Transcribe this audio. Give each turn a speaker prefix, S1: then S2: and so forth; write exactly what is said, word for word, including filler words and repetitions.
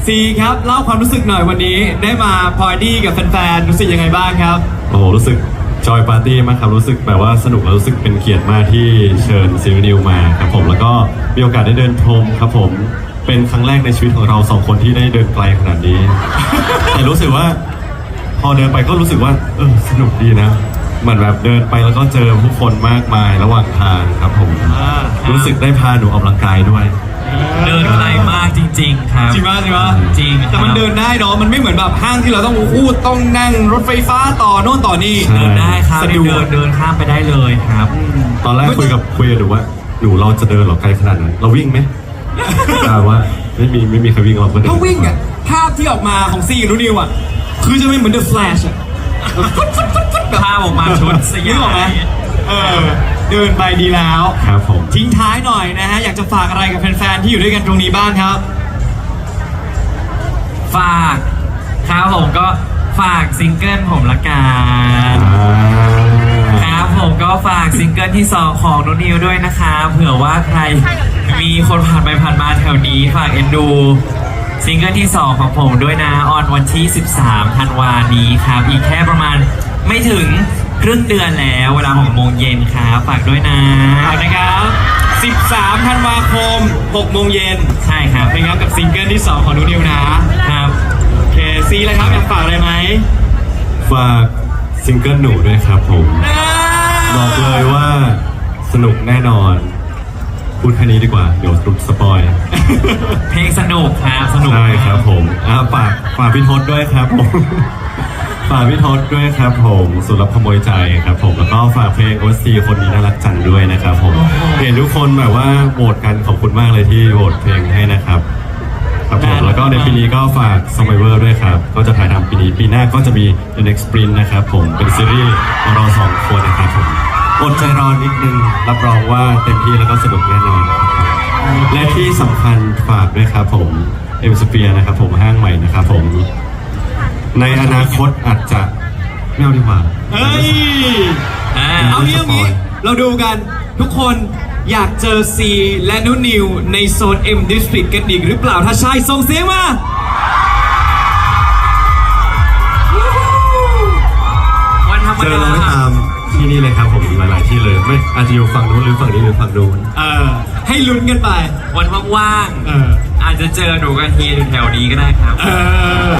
S1: ซีครับเล่าความรู้สึกหน่อยวันนี้ได้มาพาร์ตี้กับแฟนๆรู้สึกยังไงบ้างครับ
S2: โอ้โหรู้สึกจอยปาร์ตี้มากครับรู้สึกแบบว่าสนุกและรู้สึกเป็นเกียรติมากที่เชิญซีนิวมาครับผมแล้วก็มีโอกาสได้เดินพรมครับผมเป็นครั้งแรกในชีวิตของเราสองคนที่ได้เดินไกลขนาดนี้ แต่รู้สึกว่าพอเดินไปก็รู้สึกว่าเออสนุกดีนะเหมือนแบบเดินไปแล้วก็เจอผู้คนมากมายระหว่างทางครับผมรู้สึกได้พาหนูออกกำลังกายด้วย
S3: เดินไกลมากจริงๆครับ
S1: จริงป่ะจริงป่ะ
S3: จริง
S1: แต่มันเดินได้เนาะมันไม่เหมือนแบบห้างที่เราต้องอู้ต้องนั่งรถไฟฟ้าต่อโน่นต่อนี่
S3: เดินได้ครับ
S1: สะดวก
S3: เดินเดินข้ามไปได้เลยครับ
S2: ตอนแรกคุยกับคุยกับหนูว่าหนูเราจะเดินหรอไกลขนาดนั้นเราวิ่งไหมแต่ว่าไม่มีไม่มีใครวิ่งเราก็เดิน
S1: ถ้าวิ่งอ่ะภาพที่ออกมาของซีกับนูนิวอ่ะคือจะไม่เหมือน The Flash อ่ะ
S3: ภาพออกมาชุดสยาม
S1: เออเดินไปดีแล้ว
S2: ครับผม
S1: ทิ้งท้ายหน่อยนะฮะอยากจะฝากอะไรกับแฟนๆที่อยู่ด้วยกันตรงนี้บ้างครับ
S3: ฝากครับผมก็ฝากซิงเกิลผมละกันครับผมก็ฝากซิงเกิลที่สองของนุนิวด้วยนะคะเผื่อว่าใครมีคนผ่านไปผ่านมาแถวนี้ฝากเอ็นดูซิงเกิลที่สองของผมด้วยนะออนวันที่สิบสามธันวาคมนี้ครับอีกแค่ประมาณไม่ถึงครึ่งเดือนแล้วเวลาหกโมงเย็นครับฝากด้วยนะ
S1: ฝากนะครับสิบสามธันวาคมหกโมงเย็น
S3: ใช่ครับ
S1: เป็นครับกับซิงเกิลที่สองของนูนิวนะครับโอเคซีแล้วครับอยากฝากอะไรไหม
S2: ฝากซิงเกิลหนูด้วยครับผมบอกเลยว่าสนุกแน่นอนพูดแค่นี้ดีกว่าเดี๋ยวรุดสปอย
S3: เพลงสนุกครับสนุก
S2: ใช่ครับผมอ่าฝากฝากพี่ทศด้วยครับผมฝากพี่ทศด้วยครับผมสุรับขโมยใจครับผมแล้วก็ฝากเพลงโอซีคนนี้น่ารักจังด้วยนะครับผมเห็นทุกคนแบบว่าโหวตกันขอบคุณมากเลยที่โหวตเพลงให้นะครับครับผมแล้วก็ในปีนี้ก็ฝาก Survivor ด้วยครับก็จะถ่ายทำปีนี้ปีหน้าก็จะมี The Next Sprint นะครับผมเป็นซีรีส์ของเราสองคนนะครับผมอดใจรอนิดนึงรับรองว่าเต็มที่แล้วก็สนุกแน่นอนและที่สำคัญฝากด้วยครับผมเอ็มสเปียร์นะครับผมห้างใหม่นะครับผมในอนาคตอาจจะไม่เอาดีกว่า
S1: เฮ้ยเอางี้เอางี้เราดูกันทุกคนอยากเจอซีและนุนิวในโซน M District กันอีกหรือเปล่าถ้าใช่ส่งเสียงมา
S3: วันธรรมดา
S2: เจอเราตามที่นี่เลยครับผมหลายๆที่เลยไม่อาจจะอยู่ฝั่งนู้นหรือฝั่งนี้หรือฝั่งนู้น
S1: เออให้ลุ้นกันไป
S3: วันว่างๆอาจจะเจอหนูกับเฮียอยู่แถวนี้ก็ได้ครับ
S1: เออ